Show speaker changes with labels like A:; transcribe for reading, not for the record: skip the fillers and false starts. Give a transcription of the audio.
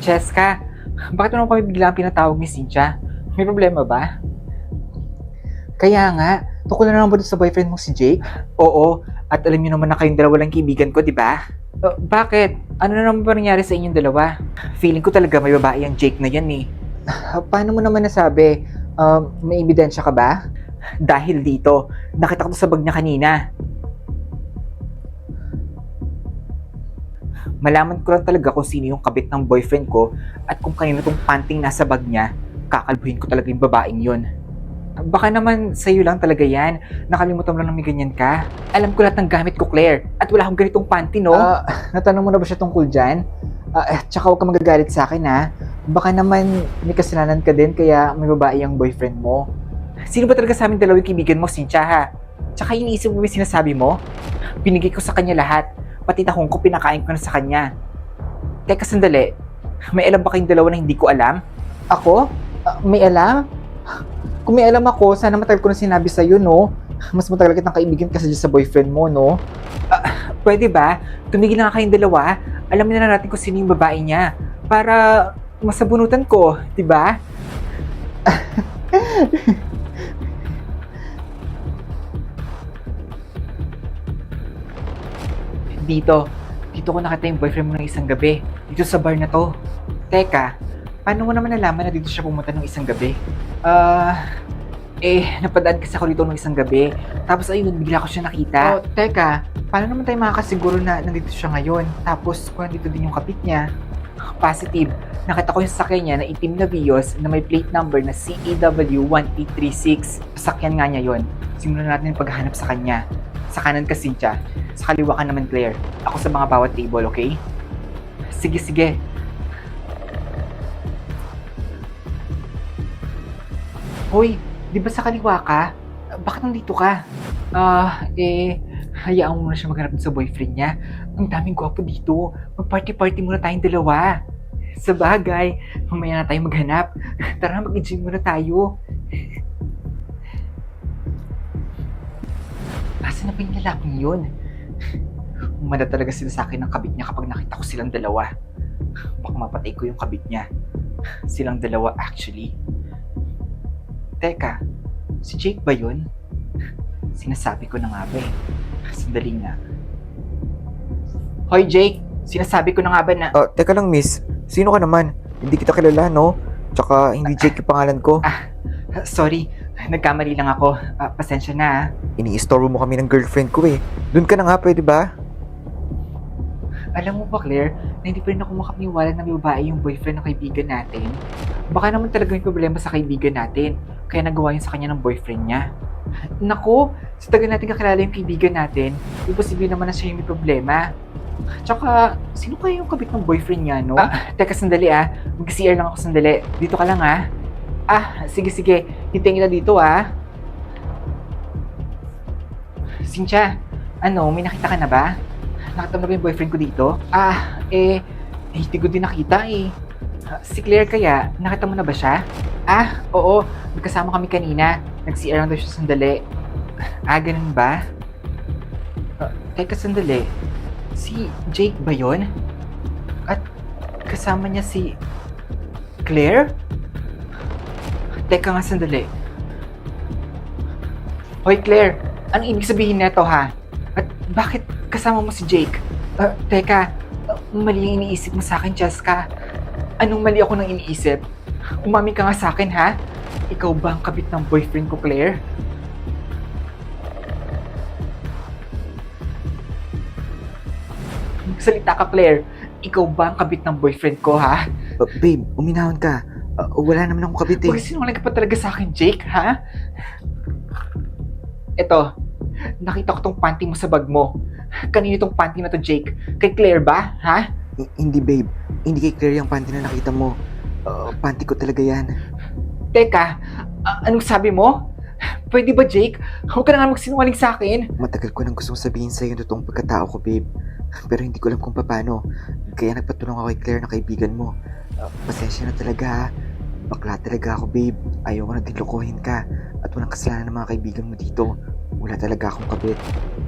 A: Cheska, bakit mo naman kami biglang pinatawag ni Cynthia? May problema ba? Kaya nga, tungkol na naman ba doon sa boyfriend mo si Jake? Oo, at alam niyo naman na kayong dalawa lang kaibigan ko, di ba? Bakit? Ano na naman ba nangyari sa inyong dalawa? Feeling ko talaga may babae ang Jake na yan eh. Paano mo naman nasabi? May ebidensya ka ba? Dahil dito, nakita ko to sa bag niya kanina. Malaman ko lang talaga kung sino yung kabit ng boyfriend ko at kung kanino tong panting nasa bag niya, kakalbuhin ko talaga yung babaeng yun. Baka naman sa'yo lang talaga yan. Nakalimutan mo lang na may ganyan ka. Alam ko lahat ng gamit ko, Claire. At wala akong ganitong panty, no? Natanong mo na ba siya tungkol dyan? Tsaka huwag ka magagalit sa akin, ha? Baka naman may kasalanan ka din kaya may babae ang boyfriend mo. Sino ba talaga sa amin dalawang kaibigan mo, Cynthia, ha? Tsaka iniisip mo yung sinasabi mo? Binigay ko sa kanya lahat. Pati tahong ko pinakain ko na sa kanya. Teka, sandali. May alam ba kayong dalawa na hindi ko alam? Ako? May alam? Kung may alam ako, sana matagal ko na sinabi sa'yo, no? Mas matagal kitang kaibigan kasi sa boyfriend mo, no? Pwede ba? Tumigil na nga kayong dalawa. Alamin na natin kung sino yung babae niya. Para masabunutan ko, di ba? Dito ko nakita yung boyfriend mo ng isang gabi. Dito sa bar na to. Teka, paano mo naman nalaman na dito siya pumunta ng isang gabi? Napadaan kasi ako dito nung isang gabi. Tapos ayun, bigla ko siya nakita. Teka, paano naman tayo makakasiguro na nandito siya ngayon? Tapos kung nandito din yung kapit niya? Positive. Nakita ko yung sasakyan niya na itim na Vios na may plate number na CAW1836. Sasakyan nga niya yon. Simulan natin yung paghahanap sa kanya. Sa kanan ka, Cynthia. Sa kaliwa ka naman, Claire. Ako sa mga bawat table, okay? Sige. Hoy, di ba sa kaliwa ka? Bakit nandito ka? Hayaan mo muna siya maghanap sa boyfriend niya. Ang daming gwapo dito. Mag-party-party muna tayong dalawa. Sa bagay, mamaya na tayo maghanap. Tara, mag-enjoy muna tayo. Asa na ba yung lalaking yun? Umanda talaga sila sa akin ng kabit niya kapag nakita ko silang dalawa. Baka mapatay ko yung kabit niya. Silang dalawa actually. Teka, si Jake ba yun? Sinasabi ko na nga ba eh. Sandali nga. Hoy Jake, sinasabi ko na nga ba na...
B: Teka lang miss, sino ka naman? Hindi kita kilala, no? Tsaka hindi Jake yung pangalan ko.
A: Sorry, nagkamali lang ako. Pasensya na.
B: Ini-istorbo mo kami ng girlfriend ko eh. Doon ka na nga, pwede ba?
A: Alam mo ba Claire, na hindi pa rin ako makapaniwala na may babae yung boyfriend ng kaibigan natin? Baka naman talaga may problema sa kaibigan natin, kaya nagawa yun sa kanya ng boyfriend niya. Nako, sa tagal natin kakilala yung kaibigan natin, imposible naman na siya yung may problema. Tsaka, sino kaya yung kabit ng boyfriend niya, no? Teka sandali mag-CR lang ako sandali. Dito ka lang sige, hintayin kita dito Cynthia, may nakita ka na ba? Nakita mo na ba yung boyfriend ko dito? Hindi ko din nakita eh. Si Claire kaya, nakita mo na ba siya? Oo, magkasama kami kanina. Nag-CR lang daw siya sandali. Ganun ba? Teka sandali. Si Jake ba yun? At kasama niya si Claire? Teka nga sandali. Hoy Claire, anong ibig sabihin nito ha? At bakit kasama mo si Jake? Teka, mali yung iniisip mo sa akin, Cheska. Anong mali ako nang iniisip? Umami ka nga sa akin, ha? Ikaw ba ang kabit ng boyfriend ko, Claire? Salita ka, Claire. Ikaw ba ang kabit ng boyfriend ko, ha?
B: Babe, uminahon ka. Wala naman akong kabit eh.
A: Huwag sinungaling ka pa talaga sa akin, Jake, ha? Eto, nakita ko tong panty mo sa bag mo. Kanino tong panty na to, Jake? Kay Claire ba, ha?
B: Hindi babe, hindi kay Claire yung panty na nakita mo. Panty ko talaga yan.
A: Teka, anong sabi mo? Pwede ba, Jake? Huwag ka na nga magsinungaling sa akin.
B: Matagal ko nang gustong sabihin sa'yo yung totoong pagkatao ko, babe. Pero hindi ko alam kung paano. Kaya nagpatulong ako kay Claire na kaibigan mo. Pasensya na talaga ha. Bakla talaga ako, babe. Ayaw ko na din lokohin ka. At walang kasalanan ng mga kaibigan mo dito. Wala talaga akong kabit.